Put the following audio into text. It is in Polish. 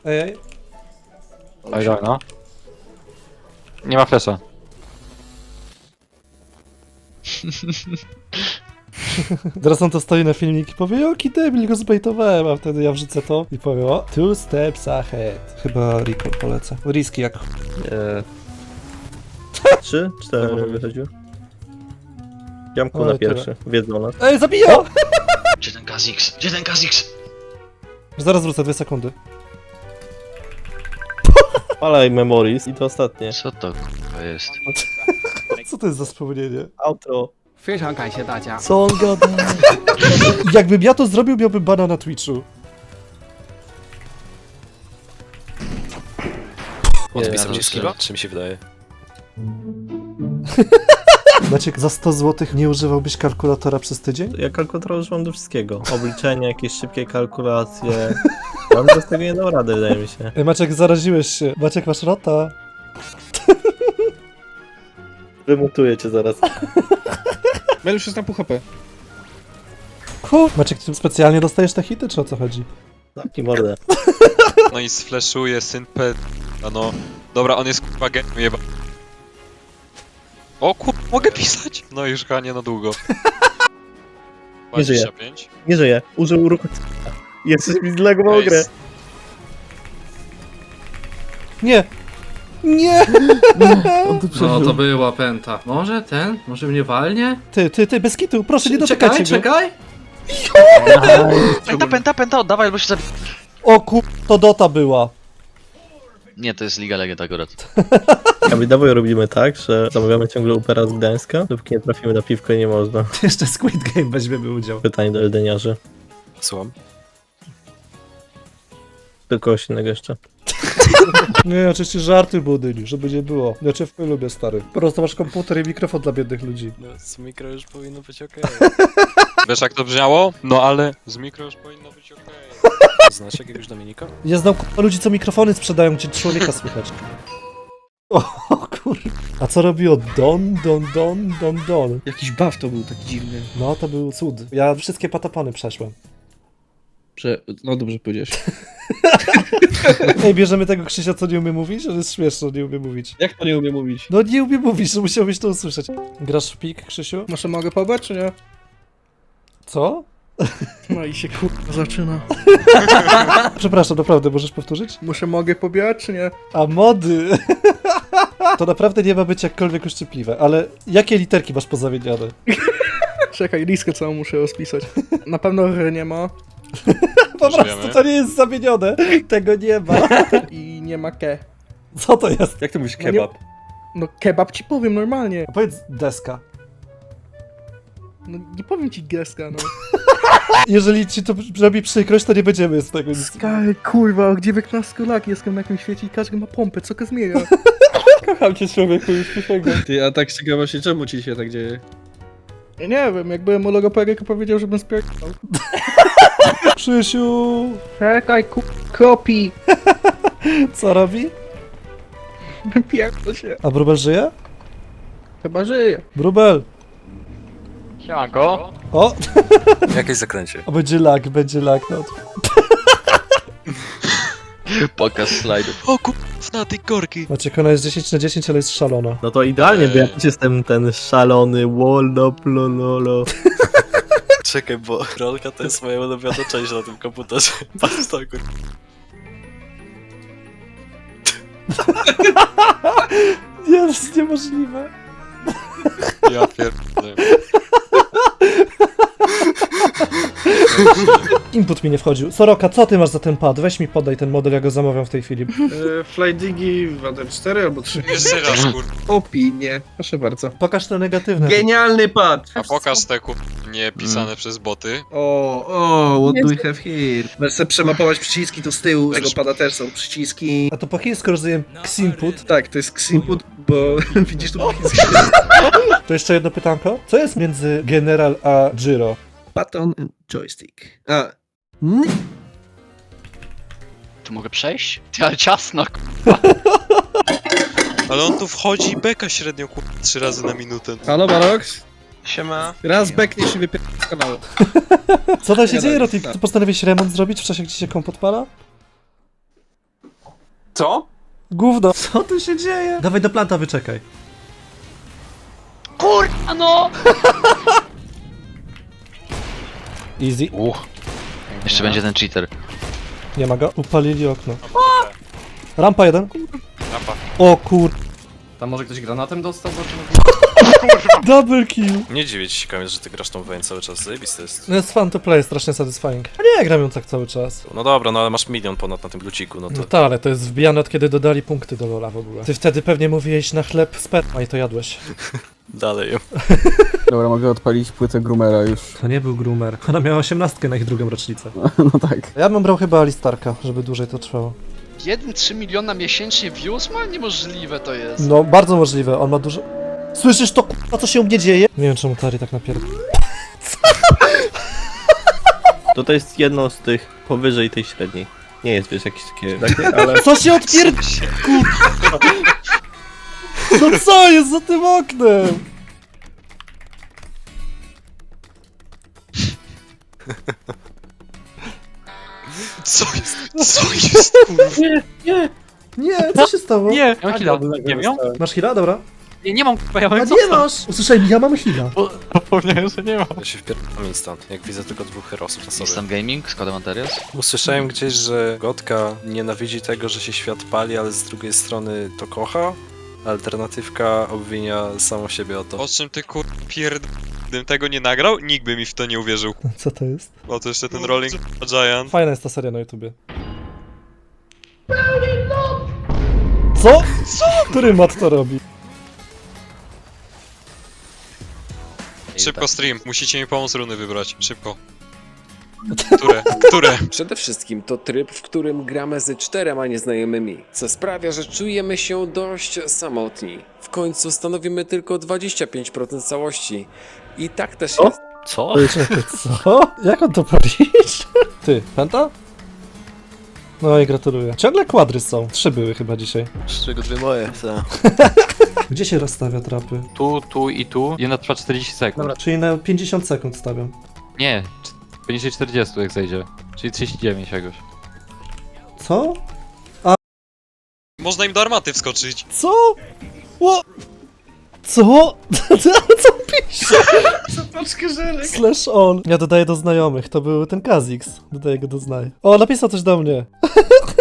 Ej. Oj, no. Nie ma flesza. Teraz on to stoi na filmik i powie, jaki debil, go zbejtowałem, a wtedy ja wrzucę to i powiem, o, 2 steps ahead. Chyba Rico polecę. Riski jak 3, 4 wychodził. Jamku Oj, na tyle. pierwszy, wiedzą nas. Ej, zabija! Gdzie ten Kha'Zix? Gdzie ten Kha'Zix? Zaraz wrócę, 2 sekundy. Palaj Memories i to ostatnie. Co to k***a jest? Co to jest za wspomnienie? Outro. 非常感谢大家。 Co on gada? Jakbym ja to zrobił, miałbym bana na Twitchu. Odpisał ci skilla? Czy mi się wydaje? Maciek, za 100 zł nie używałbyś kalkulatora przez tydzień? Ja kalkulator używam do wszystkiego. Obliczenia, jakieś szybkie kalkulacje. On bez tego nie dał rady, wydaje mi się. Ej, Maciek, zaraziłeś się. Maciek, masz rota. Wymutuję cię zaraz. Mel już jest na pół HP. Maciek, ty specjalnie dostajesz te hity, czy o co chodzi? Zamknij mordę. No i sfleszuje syn P. No. Dobra, on jest kurwa geniem jeba. O kur... mogę pisać? No już chyba nie na długo. Nie żyje. 25. Nie żyje. Użył ruchu. Jeszcze mi zlagował grę. Nice. Nie! Nie! No to była pęta. Może ten? Może mnie walnie? Ty, bez kitu, proszę, nie dotykajcie go. Czekaj! Pęta, oddawaj, albo się zabi... O to Dota była. Nie, to jest Liga Legend akurat. A my dawaj robimy tak, że zamawiamy ciągle Upera z Gdańska, dopóki nie trafimy na piwko i nie można. Jeszcze Squid Game weźmiemy udział. Pytanie do Eldeniarzy. Słucham. Do kogoś innego jeszcze. Nie, oczywiście żarty budyń, żeby nie było. Ja cię lubię, stary. Po prostu masz komputer i mikrofon dla biednych ludzi. No, z mikro już powinno być okej. Wiesz jak to brzmiało? No ale z mikro już powinno być okej. Znasz jakiegoś Dominika? Ja znam ludzi, co mikrofony sprzedają, gdzie człowieka słychać. O kurde. A co robiło Don? Jakiś buff to był taki dziwny. No, to był cud. Ja wszystkie patapony przeszłem. No dobrze powiedziałeś. Ej, bierzemy tego Krzysia, co nie umie mówić? To jest śmieszne, nie umie mówić. Jak to nie umie mówić? No nie umie mówić, że musiałbyś to usłyszeć. Grasz w pik, Krzysiu? Może mogę pobrać, czy nie? Co? No i się kurwa zaczyna. Przepraszam, naprawdę, możesz powtórzyć? Mogę pobierać, czy nie? A mody! To naprawdę nie ma być jakkolwiek uszczypliwe, ale jakie literki masz pozamieniane? Czekaj, listkę całą muszę rozpisać. Na pewno R nie ma Po prostu Żyjemy. to nie jest zamienione, tego nie ma. i nie ma ke. Co to jest? Jak to mówisz kebab? No kebab ci powiem normalnie. A powiedz deska. No nie powiem ci geska, no. Jeżeli ci to robi przykrość, to nie będziemy z tego nic. Skary, kurwa, gdzie 19-laki jestem na jakimś świecie i każdy ma pompę, co go zmienia? Kocham cię, człowieku, już przysięgam. Ty, a tak z ciekawości, czemu ci się tak dzieje? Ja nie wiem, jak byłem u logopedyka, powiedział, żebym spierdał. Krzysiu, Czekaj, kropi! co robi? Pierdol się. A Brubel żyje? Chyba żyje. Brubel! Siemanko. O! Jakieś zakręcie. O, będzie lag, no. Pokaz slajdów. O kur... na tej korki. Maciek, ona jest 10 na 10, ale jest szalona. No to idealnie, bo ja też jestem ten szalony wolno. Czekaj, bo rolka to jest moja ulubiona część na tym komputerze. Patrz to kur... Nie, to jest niemożliwe. Ja pierdolę. Input mi nie wchodził. Soroka, co ty masz za ten pad? Weź mi podaj ten model, ja go zamawiam w tej chwili. Flydigi Water 4 albo 3. Jeszcze raz kur... Opinie. Proszę bardzo. Pokaż te negatywne. Genialny pad! A pokaż te kur... nie pisane przez boty. What do we have here? Możesz sobie przemapować przyciski, tu z tyłu tego pada też są przyciski. A to po chińsku rozumiem Xinput. Tak, to jest Xinput, bo widzisz tu po chińsku. To jeszcze jedno pytanko. Co jest między General a Giro? Button and joystick. A, Tu mogę przejść? Ty, ale ciasno, Ale on tu wchodzi i beka średnio kur... 3 razy na minutę. halo Barox? Siema. Raz bekniesz i wypierdolę z kanału. Co tam się Nie dzieje, da, Rotik? tak. Ty postanowiłeś remont zrobić w czasie, gdzie się komp odpala? Co? Gówno. Co tu się dzieje? Dawaj do planta, wyczekaj. Kurwa no! Easy. Jeszcze będzie ten cheater. Nie ma go. Upalili okno. Rampa jeden. Rampa. O kur... Tam może ktoś granatem dostał? Double kill. Nie dziwię ci, Kamil, że ty grasz tą Vayne cały czas. Zajebiste jest. No jest fun to play, strasznie satisfying. A nie, gram ją tak cały czas. No dobra, no ale masz milion ponad na tym luciku, no to... No tak, ale to jest wbijane od kiedy dodali punkty do Lola w ogóle. Ty wtedy pewnie mówiłeś na chleb sperma i to jadłeś. Dalej. Dobra, mogę odpalić płytę Groomera już. To nie był groomer. Ona miała 18 na ich drugą rocznicę. No tak. Ja bym brał chyba Alistarka, żeby dłużej to trwało. 1,3 miliona miesięcznie views ma? Niemożliwe to jest. No, bardzo możliwe, on ma dużo... Słyszysz to, k***a, co się u mnie dzieje? Nie wiem, czemu Tari tak napierdala. To jest jedno z tych powyżej tej średniej. Nie jest, wiesz, jakieś takie, ale... Co się odpierd... No co jest za tym oknem? Co jest? Co jest, kurwa? Nie, co się stało? Nie, ja mam heala. Nie wiem? Masz heala? Dobra. Nie mam, kurwa, ja A mam nie masz! Usłyszałem, ja mam heala. Zapomniałem, że nie mam. Ja się wpierdam instant, jak widzę tylko dwóch herosów na sobie. Instant Gaming, Składam Anterios. Usłyszałem gdzieś, że Gotka nienawidzi tego, że się świat pali, ale z drugiej strony to kocha. Alternatywka obwinia samą siebie o to. O czym ty gdybym tego nie nagrał, nikt by mi w to nie uwierzył. Co to jest? O to jeszcze ten Rolling Giant. Fajna jest ta seria na YouTubie. Co? Który mat to robi? Szybko stream, musicie mi pomóc runy wybrać. Szybko. Które? Przede wszystkim to tryb, w którym gramy ze 4 nieznajomymi, co sprawia, że czujemy się dość samotni. W końcu stanowimy tylko 25% całości. I tak też jest. Co? Czekaj, co? Jak on to policzy? Ty, penta? No i gratuluję. Ciągle kwadry są. 3 były chyba dzisiaj. Z czego 2 moje, co? Gdzie się rozstawia trapy? Tu i tu. Jedna trwa 40 sekund. Dobra, czyli na 50 sekund stawiam. Nie, poniżej 40 jak zejdzie. Czyli 39 jakoś. Co? Można im do armaty wskoczyć. Co? Ło? Co? Co pisze? Zapaczkę żelek. Slash on. Ja dodaję do znajomych, to był ten Kazix. Dodaję go do znajomych. O, napisał coś do mnie.